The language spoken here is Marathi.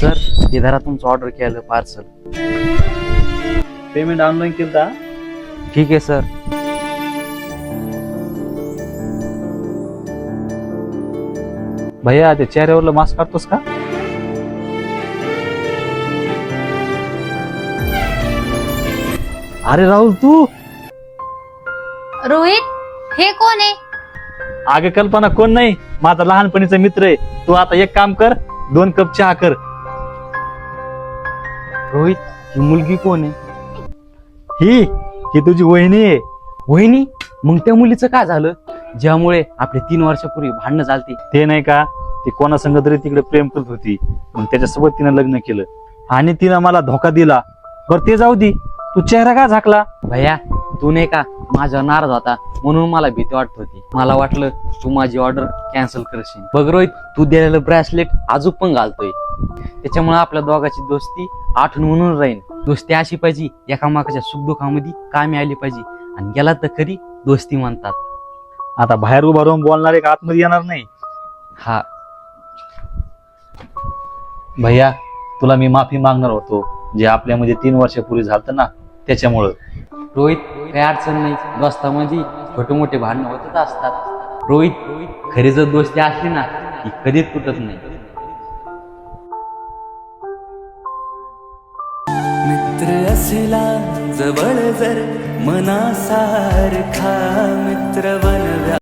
सर हे धरा तुमचं ऑर्डर केलं पार्सल. पेमेंट ऑनलाईन केलं. ठीक आहे सर. भैया ते चेहऱ्यावरलं मास्क काढतोस का? अरे राहुल तू. रोहित हे कोण आहे? आगे कल्पना कोण नाही, माझा लहानपणीचा मित्र आहे. तू आता एक काम कर, 2 कप चहा कर. रोहित ही मुलगी कोण आहे? ही तुझी वहिनी आहे. वहिनी? मग त्या मुलीचं काय झालं ज्यामुळे आपले 3 वर्षापूर्वी भांडणं झालती? ते नाही का, ती कोणासंग तरी तिकडे प्रेम करत होती, मग त्याच्यासोबत तिनं लग्न केलं आणि तिनं मला धोका दिला. बरं ते जाऊ दे, तू चेहरा का झाकला? भैया तू नाही का माझ्यावर नाराज होता म्हणून मला भीती वाटत होती. मला वाटलं तू माझी ऑर्डर कॅन्सल करशील. बघ रोहित तू दिलेलं ब्रेसलेट अजून पण घालतोय, त्याच्यामुळे आपल्या दोघांची दोस्ती आठवण म्हणून राहील. दोस्ती अशी पाहिजे एकामेकाच्या सुखदुःखामध्ये कामी आली पाहिजे, आणि गेला तर खरी दोस्ती म्हणतात. आता बाहेर उभा राहून बोलणार एक आतमध्ये येणार नाही. हा भैया तुला मी माफी मागणार होतो, जे आपल्यामध्ये 3 वर्षापूर्वी झालं ना त्याच्यामुळं. रोहित काही अडचण नाही, दोस्तामध्ये छोटे मोठे भांडणं होतच असतात. रोहित खरी जर दोस्ती असली ना ती कधीच तुटत नाही. मित्र असला जवळ जर मनासारखा मित्र बनव्या